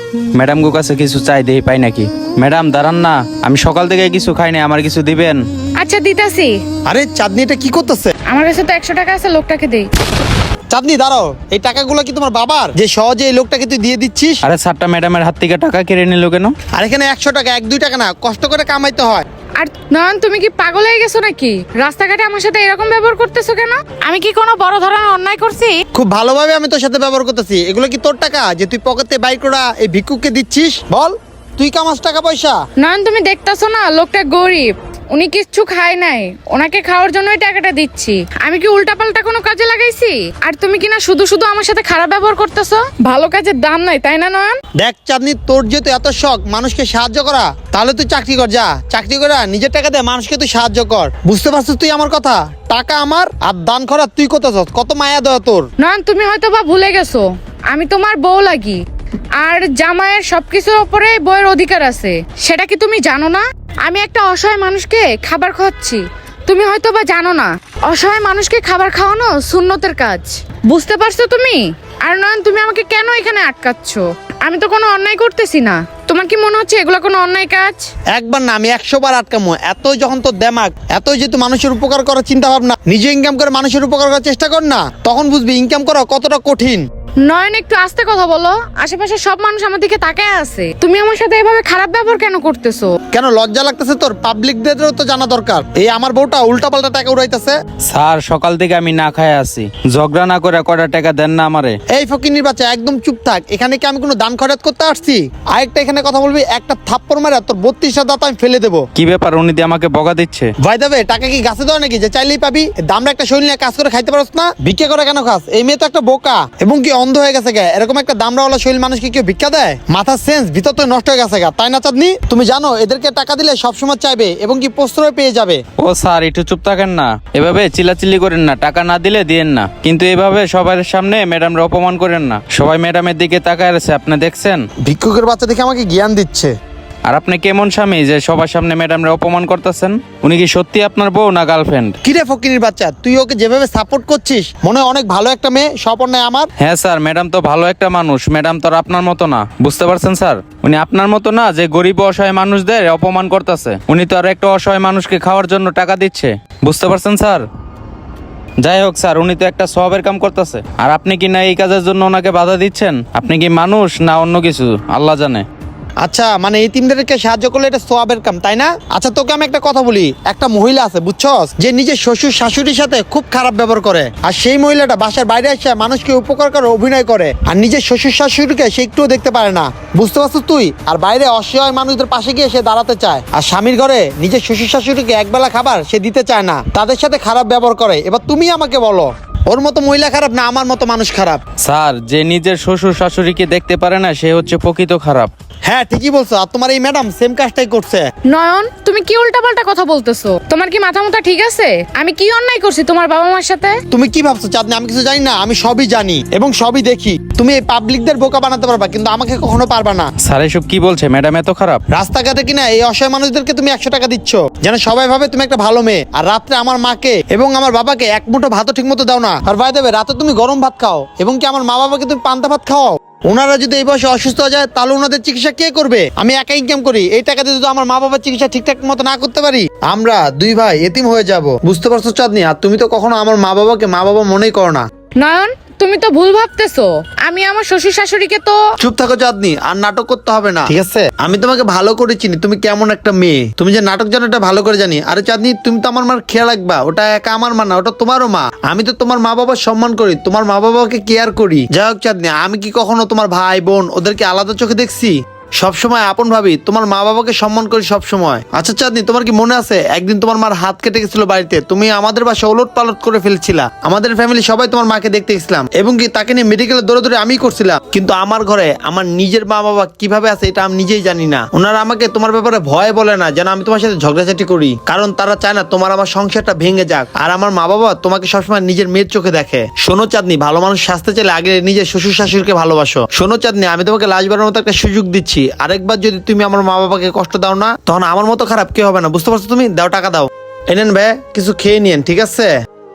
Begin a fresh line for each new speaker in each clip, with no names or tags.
Madam গো কাছে কিছু চাই দেই পাই নাকি? ম্যাডাম দাঁড়ান না, আমি সকাল থেকে কিছু খাই নাই, আমার কিছু দিবেন?
আচ্ছা দিতাছি।
আরে চাঁদনি, এটা কি করতেছে?
আমার কাছে তো 100 টাকা আছে, লোকটাকে দেই।
চাঁদনি দাঁড়াও, এই টাকাগুলো কি তোমার বাবার, যে সহজে এই লোকটাকে তুই দিয়ে দিচ্ছিস?
আরে স্যারটা ম্যাডামের হাত থেকে টাকা কেড়ে নিল কেন?
আর এখানে 100 টাকা, 1-2 টাকা না, কষ্ট করে কামাইতে হয়।
আর নয়ন, তুমি কি পাগল হয়ে গেছো নাকি? রাস্তাঘাটে আমার সাথে এরকম ব্যবহার করতেছো কেন? আমি কি কোনো বড় ধরনের অন্যায় করছি?
খুব ভালোভাবে আমি তোর সাথে ব্যবহার করতেছি। এগুলো কি তোর টাকা যে তুই পকেটে বাইর করা এই ভিক্ষুককে দিচ্ছিস? বল, তুই কামাস টাকা পয়সা?
নয়ন, তুমি দেখতাছো না লোকটা গরিব, উনি কিচ্ছু খায় নাই, ওনাকে খাওয়ার জন্যই টাকাটা দিচ্ছি। আমি কি উল্টাপাল্টা কোনো কাজে লাগাইছি? আর তুমি কি না শুধু শুধু আমার সাথে খারাপ ব্যবহার করতেছো? ভালো কাজের দাম নাই, তাই না নয়ন?
দেখ চাঁদনি, তোর যেহেতু এত শখ মানুষকে সাহায্য করা, তাহলে তুই চাকরি কর, যা চাকরি করে নিজের টাকা দিয়ে মানুষকে তুই সাহায্য কর। বুঝতে পারছিস তুই আমার কথা? টাকা আমার আর দান করা তুই করতেছস, কত মায়া দেওয়া তোর।
নয়ন, তুমি হয়তো বা ভুলে গেছো আমি তোমার বউ লাগি, আর জামাইয়ের সবকিছুর উপরে বউয়ের অধিকার আছে, সেটা কি তুমি জানো না? আমি একটা অসহায় মানুষকে খাবার খাওয়াচ্ছি, তুমি হয়তো বা জানো না অসহায় মানুষকে খাবার খাওয়ানো সুন্নতের কাজ। বুঝতে পারছো তুমি? আর নয়ন, তুমি আমাকে কেন এখানে আটকাচ্ছ? আমি তো কোনো অন্যায় করতেছি না। তোমার কি মনে হচ্ছে এগুলো কোনো অন্যায় কাজ?
একবার না, আমি 100 বার আটকামো। এতই যখন তোর দেমাগ, এতই যেহেতু মানুষের উপকার করার চিন্তা ভাবনা, নিজে ইনকাম করে মানুষের উপকার করার চেষ্টা কর না, তখন বুঝবি ইনকাম করা কতটা কঠিন।
নয়ন, একটু আস্তে কথা বলো, আশেপাশে সব মানুষ আমার দিকে তাকায় আছে। তুমি আমার সাথে এভাবে খারাপ ব্যবহার কেন করতেছো?
কেন লজ্জা লাগতেছে তোর? পাবলিকদেরও তো জানা দরকার এই আমার বউটা উল্টাপাল্টা টাকা উড়াইতেছে।
স্যার সকাল থেকে আমি না খাই আছি, ঝগড়া না করে কয়টা টাকা দেন না আমারে?
এই ফকিনির বাচ্চা, একদম চুপ থাক। এখানে কি আমি কোনো দান খরচ করতে আসছি? আরেকটা এখানে কথা বলবি, একটা থাপ্পড় মারা তোর 32টা দাঁত আমি ফেলে দেবো।
কি ব্যাপার, উনি দিয়ে আমাকে বকা দিচ্ছে?
ভাই দেবে টাকা কি গাছে দেওয়া নাকি যে চাইলেই পাবি? দামরা একটা শরীর নিয়ে কাজ করে খাইতে পারছ না? ভিক্ষা করে কেন খাস? এই মেয়ে তো একটা বোকা, এবং কি অন্ধ হয়ে গেছে গা। এরকম একটা দামরাওয়ালা শরীর মানুষকে কেউ ভিক্ষা দেয়? মাথার সেন্স ভিতর তো নষ্ট হয়ে গেছে গা, তাই না চাঁদনি? তুমি জানো এদেরকে টাকা দিলে সবসময় চাইবে এবং কি প্রশ্রয় পেয়ে যাবে।
ও স্যার একটু চুপ থাকেন না, এভাবে চিল্লাচিল্লি করেন না, টাকা না দিলে দিয়েন না, কিন্তু এভাবে সবার সামনে ম্যাডামরা অপমান করেন না। সবাই ম্যাডামের দিকে তাকায় আছে, আপনি দেখছেন?
ভিক্ষুকের বাচ্চা দেখে আমাকে জ্ঞান দিচ্ছে।
আর আপনি কেমন স্বামী যে সবার সামনে ম্যাডামরা অপমান করতেছেন? উনি কি সত্যি আপনার বউ না গার্লফ্রেন্ড?
কিরে ফকিনির বাচ্চা, তুই ওকে যেভাবে সাপোর্ট করছিস, মনে হয় অনেক ভালো একটা মেয়ে, সব অন্যায় আমার।
হ্যাঁ স্যার, ম্যাডাম তো ভালো একটা মানুষ, ম্যাডাম তো আর আপনার মতো না, বুঝতে পারছেন স্যার? উনি আপনার মতো না যে গরিব অসহায় মানুষদের অপমান করতেছে। উনি তো আর একটা অসহায় মানুষকে খাওয়ার জন্য টাকা দিচ্ছে, বুঝতে পারছেন স্যার? যাই হোক স্যার, উনি তো একটা সওয়াবের কাম করতেছে, আর আপনি কি না এই কাজের জন্য ওনাকে বাধা দিচ্ছেন? আপনি কি মানুষ না অন্য কিছু আল্লাহ জানে।
আচ্ছা, মানে এতিমদেরকে সাহায্য করলে এটা সোয়াবের কাম, তাই না? আচ্ছা তোকে আমি একটা কথা বলি, একটা মহিলা আছে বুঝছস, যে নিজের শ্বশুর শাশুড়ির সাথে খুব খারাপ ব্যবহার করে, আর সেই মহিলাটা বাসার বাইরে এসে মানুষকে উপকার করে অভিনয় করে, আর নিজের শ্বশুর শাশুড়িকে সে একটুও দেখতে পারে না, বুঝতে পারছিস তুই? আর বাইরে অসহায় মানুষদের পাশে গিয়ে সে দাঁড়াতে চায়, আর স্বামীর ঘরে নিজের শ্বশুর শাশুড়িকে একবেলা খাবার সে দিতে চায় না, তাদের সাথে খারাপ ব্যবহার করে। এবার তুমি আমাকে বলো, ওর মতো মহিলা খারাপ না আমার মতো মানুষ খারাপ?
স্যার, যে নিজের শ্বশুর শাশুড়িকে দেখতে পারে না সে হচ্ছে প্রকৃত খারাপ।
হ্যাঁ ঠিকই বলছো, আর তোমার এই ম্যাডাম সেম কাজটাই করছে।
নয়ন, তুমি কি উল্টাপাল্টা কথা বলতেছো? তোমার কি মাথা মুথা ঠিক আছে? আমি কি অন্যায় করছি তোমার বাবা মার সাথে?
তুমি কি ভাবছো চাঁদনি আমি কিছু জানি না? আমি সবই জানি এবং সবই দেখি। তুমি এই পাবলিকদের বোকা বানাতে পারবা, কিন্তু আমাকে কখনো পারবা না।
স্যার এসব কি বলছে? ম্যাডাম এত খারাপ?
রাস্তাঘাটে কিনা এই অসহায় মানুষদেরকে তুমি 100 টাকা দিচ্ছ, যেন সবাই ভাবে তুমি একটা ভালো মেয়ে, আর রাত্রে আমার মাকে এবং আমার বাবাকে এক মুঠো ভাতও ঠিক মতো দাও না। আর ভাই দেবে রাতে তুমি গরম ভাত খাও, এবং কি আমার মা বাবাকে তুমি পান্তা ভাত খাও। ওনারা যদি এই বয়সে অসুস্থ হয়ে যায় তাহলে ওনাদের চিকিৎসা কে করবে? আমি একা ইনকাম করি, এই টাকা দিয়ে যদি আমার মা বাবার চিকিৎসা ঠিকঠাক মতো না করতে পারি, আমরা দুই ভাই এতিম হয়ে যাব। বুঝতে পারছো চাঁদনি? আর তুমি তো কখনো আমার মা বাবাকে মা বাবা মনেই করো না।
নয়ন, তুমি তো ভুল ভাবতেছো। আমি আমার শ্বশুর শাশুড়িকে তো...
চুপ থাকো চাঁদনি, আর নাটক করতে হবে না, ঠিক আছে? আমি তোমাকে ভালো করে চিনি, তুমি কেমন একটা মেয়ে। তুমি যে নাটক জানো এটা ভালো করে জানি। আরে চাঁদনি, তুমি তো আমার মার খেয়াল রাখবা, ওটা একা আমার মা না, ওটা তোমারও মা। আমি তো তোমার মা বাবার সম্মান করি, তোমার মা বাবাকে কেয়ার করি। যাই হোক চাঁদনি, আমি কি কখনো তোমার ভাই বোন ওদেরকে আলাদা চোখে দেখছি? সবসময় আপন ভাবি, তোমার মা বাবাকে সম্মান করি সব সময়। আচ্ছা চাঁদনি, তোমার কি মনে আছে একদিন তোমার মার হাত কেটে গেছিল বাড়িতে? তুমি আমাদের বাসা ওলট পালট করে ফেলছিলা। আমাদের ফ্যামিলি সবাই তোমার মাকে দেখতে গেছিলাম, এবং কি তাকে নিয়ে মেডিকেলে দৌড়ে আমি করছিলাম। কিন্তু আমার ঘরে আমার নিজের মা বাবা কিভাবে আছে এটা আমি নিজেই জানি না। ওনারা আমাকে তোমার ব্যাপারে ভয় বলে না, যেন আমি তোমার সাথে ঝগড়াঝাটি করি, কারণ তারা চায় না তোমার আমার সংসারটা ভেঙে যাক। আর আমার মা বাবা তোমাকে সবসময় নিজের মেয়ের চোখে দেখে। শোনো চাঁদনি, ভালো মানুষ সাজতে চাইলে আগে নিজের শ্বশুর শাশুড়িকে ভালোবাসো। শোনো চাঁদনি, আমি তোমাকে লাস্টবারের মতো একটা সুযোগ দিচ্ছি, আরেকবার যদি তুমি আমার মা বাবাকে কষ্ট দাও না, তখন আমার মতো খারাপ কেউ হবে না। বুঝতে পারছো তুমি? দাও টাকা দাও। এনেন ভাই, কিছু খেয়ে নিয়েন, ঠিক আছে?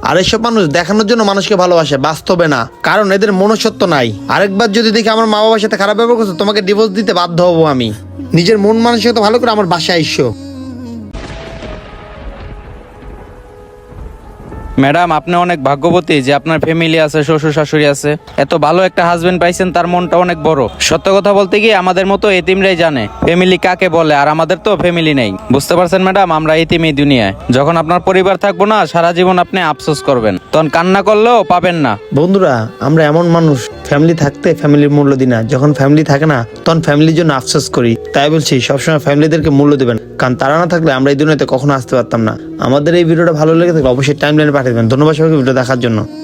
আর এসব মানুষ দেখানোর জন্য মানুষকে ভালোবাসে, বাস্তবে না, কারণ এদের মনুষ্যত্ব নাই। আরেকবার যদি দেখি আমার মা বাবার সাথে খারাপ ব্যবহার করছো, তোমাকে ডিভোর্স দিতে বাধ্য হবো আমি। নিজের মন মানসিকতা ভালো করে আমার বাসায় আইসো।
ম্যাডাম, আপনি অনেক ভাগ্যবতী যে আপনার ফ্যামিলি আছে, শ্বশুর শাশুড়ি আছে। এত ভালো একটা হাজবেন্ড পাইছেন, তার মনটা অনেক বড়। সত্য কথা বলতে কি, আমাদের মতো এতিমরাই জানে ফ্যামিলি কাকে বলে, আর আমাদের তো ফ্যামিলি নেই। বুঝতে পারছেন ম্যাডাম, আমরা এতিম এই দুনিয়ায়। যখন আপনার পরিবার থাকবো না, সারা জীবন আপনি আফসোস করবেন, তখন কান্না করলেও পাবেন না।
বন্ধুরা, আমরা এমন মানুষ, ফ্যামিলি থাকতে ফ্যামিলির মূল্য দিই না, যখন ফ্যামিলি থাকে না তখন ফ্যামিলির জন্য আফসোস করি। তাই বলছি, সবসময় ফ্যামিলিদেরকে মূল্য দেবেন, কারণ তারা না থাকলে আমরা এই দুনিয়াতে কখনো আসতে পারতাম না। আমাদের এই ভিডিওটা ভালো লেগে থাকলে অবশ্যই টাইমলাইনে পাঠিয়ে দেবেন। ধন্যবাদ সবাইকে ভিডিও দেখার জন্য।